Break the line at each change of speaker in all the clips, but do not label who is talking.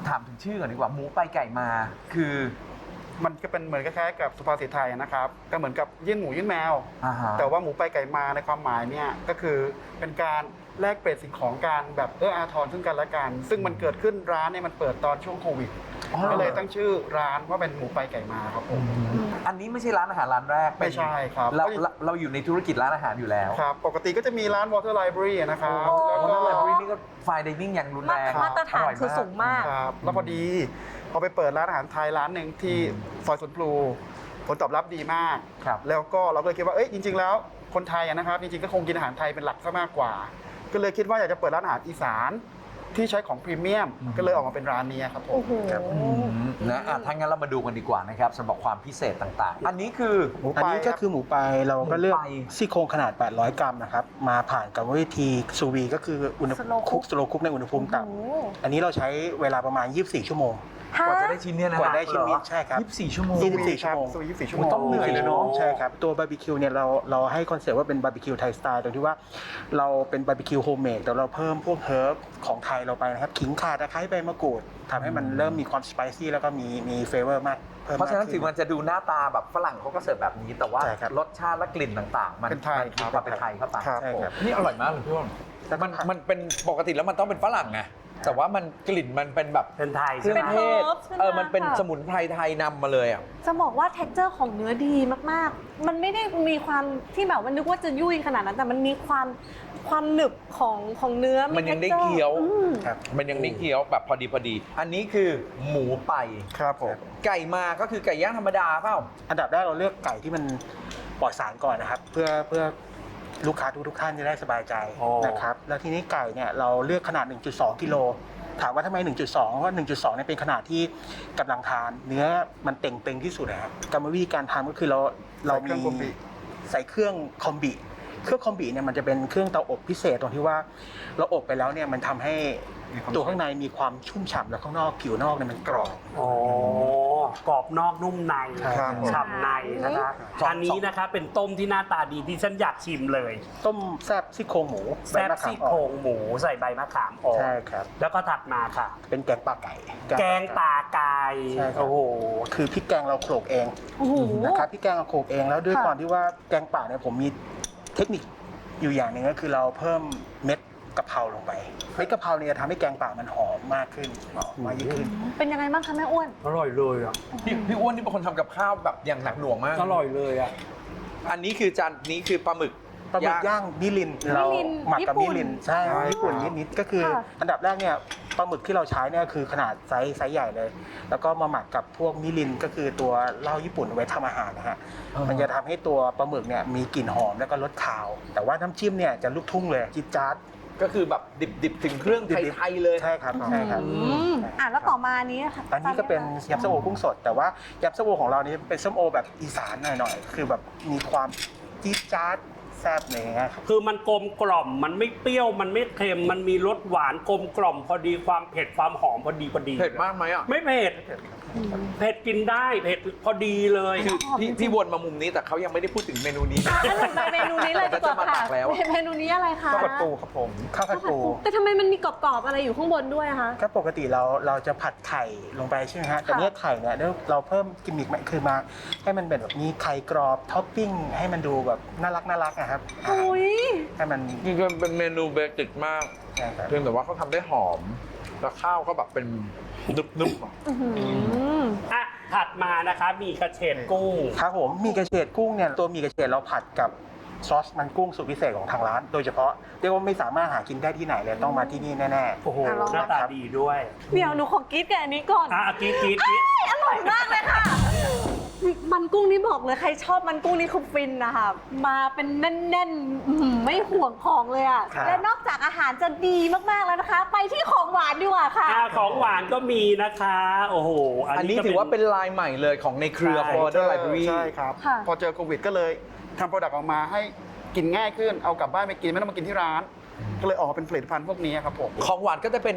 ถามถึงชื่อก่อนดีกว่าหมูไปไก่มาคือ
มันก็เป็นเหมือนคล้ายๆกับสุภาษิตไทยนะครับก็เหมือนกับยื่นหมูยื่นแมว แต่ว่าหมูไปไก่มาในความหมายเนี่ยก็คือเป็นการแลกเปลี่ยนสิ่งของกันแบบอาทรซึ่งกันและกัน ซึ่งมันเกิดขึ้นร้านเนี่ยมันเปิดตอนช่วงโควิดก็เลยตั้งชื่อร้านว่าเป็นหมูไปไก่มาครับผม
อันนี้ไม่ใช่ร้านอาหารร้านแรก
ไม่ใช่ครับ
เราอยู่ในธุรกิจร้านอาหารอยู่แล้ว
ครับปกติก็จะมีร้าน Water Library นะครับ
แล้ว
แล้ว
ก็
ก็
ไลบรารีนี่ก็ไฟน์ไดนิ่งอย่างรุนแรง
มาตรฐานคือสูงมาก
ครับแล้วพอดีพอไปเปิดร้านอาหารไทยร้านหนึ่งที่ซอยสวนพลูผลตอบรับดีมาก
ครับ
แล้วก็เราก็เลยคิดว่าจริง ๆ แล้วคนไทยนะครับจริงๆก็คงกินอาหารไทยเป็นหลักซะมากกว่า ก็เลยคิดว่าอยากจะเปิดร้านอาหารอีสานที่ใช้ของพรีเมียมก็เลยออกมาเป็นร้านนี้ครับผม
โอ้โห
นะถ้างั้นเรามาดูกันดีกว่านะครับสำหรับความพิเศษต่างๆ อันนี้คือ
หมู
อัน
ไป
นี้ก็คือหมูไปเราก็เลือก
หมูไป
ซี่โครงขนาด 800 กรัมนะครับ มาผ่านกรรมวิธีซูวีก็คืออุณหภูมิ
Slow cook
สโลคุกในอุณหภูมิ
โอ้โห
ต่ำอันนี้เราใช้เวลาประมาณ 24 ชั่วโมง
กว่าจะได้ชิ้นเนี่ยนะ
กว่าได้ชิ้นนี้ใช่ครับ
24 ชั่วโมง
24 ชั่วโมง
ซูวี24 ชั่วโมง
ต้องเหนื่อยเลยเนอะ
ใช่ครับ ตัวบาร์บีคิวเนี่ยเราให้คอนเซ็ปต์ว่าเป็นบาร์บีคิวไทยสไตล์ตรงที่ว่าเราเป็นบาร์บีคิวโฮมเมดแต่เราเพิ่มพวกเฮิร์บของไทยเราไปนะครับขิงข่าตะไคร้ใบมะกรูดทำให้มันเริ่มมีความสไปซี่แล้วก็มีเฟเวอร์มากเพิ่ม
เพราะฉะนั้น
มก
ถึ
ขึ้
งมันจะดูหน้าตาแบบฝรั่งเขาก็เสิร์ฟแบบนี้ แต่ว่า
ใช่ครับ
รสชาติและกลิ่นต่างๆ มัน
เป็นไทย
มีความเป็นไทยเข้าไป
ครับ
ใช่
ผม
ครับ
นี่อร่อยมากเลยพี่อ้น
แล้วก็
มันเป็นปกติแล้วมันต้องเป็นฝรั่งไงแต่ว่ามันกลิ่นมันเป็นแบบ
เป็นไทย
เครื่อง
เป็น
เทศ
herbs ใช่ไหม
มันเป็น
ค่ะ
สมุนไพรไทยนำมาเลยอ่ะ
จะบอกว่า texture ของเนื้อดีมากๆ มันไม่ได้มีความที่แบบว่านึกว่าจะยุ่ยขนาดนั้น แต่มันมีความหนึบของเนื้อ
มันยังได้
texture
เคี้ยว
อืม
ครับ
มันยังได้เคี้ยวแบบพอดี
อันนี้คือหมูไป
ครับผม
ไก่มาก็คือไก่ย่างธรรมดาเปล่า
อันดับแรกเราเลือกไก่ที่มันปลอดสารก่อนนะครับ เพื่อลูกค้าทุกท่านจะได้สบายใจ
อ๋อ
นะครับแล้วทีนี้ไก่เนี่ยเราเลือกขนาด 1.2 กิโลถามว่าทำไม 1.2 เพราะว่า 1.2เนี่ยเป็นขนาดที่กำลังทานเนื้อมันเต่งๆที่สุดนะครับกรรมวิธีการทำก็คือเรา
ใส่เครื่องคอมบิ
ใส่เครื่องคอมบิเครื่องคอมบิเนี่ยมันจะเป็นเครื่องเตาอบพิเศษตรงที่ว่าเราอบไปแล้วเนี่ยมันทำให้ตัวข้างในมีความชุ่มฉ่ำแล้วข้างนอกผิวนอกเนี่ยมันกรอบ
อ๋อกรอบนอกนุ่มใน
ครับผม
ฉ่ำในนะคะ
สอง
อันนี้นะคะเป็นต้มที่หน้าตาดีที่ฉันอยากชิมเลย
ต้มแซ่บซี่โครงหมู
แซ่บ
ใมะขาม
ซี่
อ่อน
โครงหมูใส่ใบมะขามอ่อน
ใช่ครับ
แล้วก็ถัดมาค่ะ
เป็นแกงปลาไก่
แกงป่าไก่
ใช่ครับ
โอ้โห
คือพริกแกงเราโขลกเอง
โอ้โห
นะครับพริกแกงเราโขลกเองแล้วด้วย
ค่ะ
ความที่ว่าแกงป่าเนี่ยผมมีเทคนิคอยู่อย่างหนึ่งก็คือเราเพิ่มเม็ดกะเพราลงไปเม็ดกะเพราเนี่ยทำให้แกงป่ามันหอมมากขึ้นหอมมากยิ่งขึ้น
เป็นยังไงบ้างคะแม่อ้วน
อร่อยเลยอ่ะ
พี่อ้วนนี่เป็นคนทำกับข้าวแบบอย่างหนักหน่วงมาก
อร่อยเลยอ่ะ
อันนี้คือจานนี้คือปลาหมึก
ปลาหมึกย่างมิรินเราหมักกับ
ญี่
มิ
ปุ่น
รินใช่ญี่ปุ่นนิดๆก็คือ
ค่ะ
อันดับแรกเนี่ยปลาหมึกที่เราใช้เนี่ยคือขนาดไซส์ใหญ่เลย แล้วก็มาหมักกับพวกมิรินก็คือตัวเหล้าญี่ปุ่นเอาไว้ทำอาหารนะฮะมันจะทำให้ตัวปลาหมึกเนี่ยมีกลิ่นหอมแล้วก็รสคาว แต่ว่าน้ำจิ้มเนี่ยจะลูกทุ่งเลยจิ๊ดจ๊าด
ก็คือแบบดิบๆ ถึงเครื่องไทยๆเลย
ใช่ครับใช่ครับ
แล้วต่อมาอันนี้ค่ะ
อันนี้ก็เป็นยำส้มโอกุ้งสด แต่ว่ายำส้มโอของเรานี่เป็นส้มโอแบบอีสานหน่อยๆคือแบบมีความจี๊ดจ๊าดแซ่บอะไรอย่างเงี้ยครับ
คือมันกลมกล่อมมันไม่เปรี้ยวมันไม่เค็มมันมีรสหวานกลมกล่อมพอดีความเผ็ดความหอมพอดี
เผ็ดมากไหมอ่ะ
ไม่เผ็ดเผ็ดกินได้เผ็ดพอดีเลย
คือพี่วนมามุมนี้แต่เขายังไม่ได้พูดถึงเมนูนี้
งั้นหนูไปเมนูนี้เลยดีกว่า
จะมาตั
ค่ะ
กแล้ว
เมนูนี้อะไรคะ
ข้าวผัดปูครับผม
ข้าวผัดปู
แต่ทำไมมันมีกรอบๆอะไรอยู่ข้างบนด้วยอะคะ
ก็ปกติเราจะผัดไข่ลงไปใช่ไหมฮะแต่เนี้ยไข่เนี่ยเราเพิ่มกิมมิคคือมาให้มันเป็นแบบมีไข่กรอบท็อปปิ้งให้มันดูแบบน่ารักนะครับ
โอ้ย
ให้มัน
จริงๆเป็นเมนูเบสิกมาก
นะครับ
เพียงแต่ว่าเขาทำได้หอม แล้วข้าวก็แบบเป็นนึบๆอะ
อื้อหือ
อ่ะถัดมานะคะมีกระเฉดกุ้ง
ครับผมมีกระเฉดกุ้งเนี่ยตัวมีกระเฉดเราผัดกับซอสมันกุ้งสูตรพิเศษของทางร้าน โดยเฉพาะเรียกว่าไม่สามารถหากินได้ที่ไหนเลยต้องมาที่นี่แน่ๆ
โอ้โห
อ่ะลอง
หน้าตาดีด้วย
เดี๋ยวหนูขอกรี๊ดกับอันนี้ก่อน
อ่ะกรีดกรีด
อร่อยมากเลยค่ะ มันกุ้งนี่บอกเลยใครชอบมันกุ้งนี่คือฟินนะคะมาเป็นแน่นๆไม่ห่วงของเลยอ่ะ
ครับ
และนอกจากอาหารจะดีมากๆแล้วนะคะ ไปที่ของหวานดีกว่าค่ะ
ของหวานก็มีนะคะ โอ้โห
อันนี้ถือว่าเป็นลายใหม่เลยของในเครือ
ใช่
Border Library
ใช่ครับ
ค่ะ
พอเจอโควิดก็เลยทำโปรดักต์ออกมาให้กินง่ายขึ้นเอากลับบ้านไปกินไม่ต้องมากินที่ร้าน ก็เลยออกมาเป็นผลิตภัณฑ์พวกนี้ครับผม
ของหวานก็จะเป็น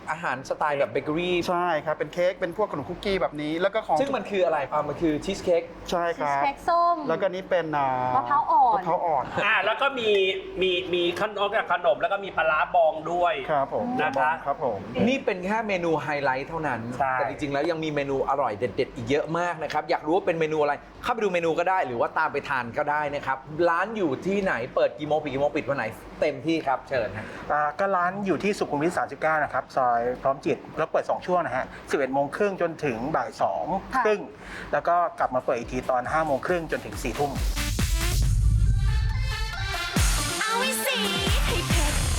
อาหารสไตล์แบบเบเกอรี่
ใช่ครับ เป็นเค้กเป็นพวกขนมคุกกี้แบบนี้แล้วก็ของ
ซึ่งมันคืออะไรมันคือชีสเค้ก
ใช่ค
ชีส
รับ
เค้กส้ม
แล้วก็นี้เป็น
มะพร้าวอ่อน
มะพร้าวอ่อน
แล้วก็มีขนมกับขนมแล้วก็มีปลาร้าบองด้วย
ครับผม
นะคะ
ครับผม
นี่เป็นแค่เมนูไฮไลท์เท่านั้น
ใช่
แต่จริงๆ แล้วยังมีเมนูอร่อยเด็ดๆ อีกเยอะมากนะครับ อยากรู้ว่าเป็นเมนูอะไร เข้าไปดูเมนูก็ได้ หรือว่าตามไปทานก็ได้นะครับ ร้านอยู่ที่ไหน เปิดกี่โมงปิดกี่โมงปิดวันไหน เต็มที่ครับ เชิญฮะ
ก็ร้านอยู่ที่สุขุมวิท 39 นะครับ ซอยพร้อมจิต แล้วเปิด 2 ช่วงนะฮะ 11 โมงครึ่งจนถึงบ่าย 2 ครึ่ง แล้วก็กลับมาเปิดอีกทีตอน 5 โมงครึ่งจนถึง 4 ทุ่ม
เอาไว้สิให้เผ็ด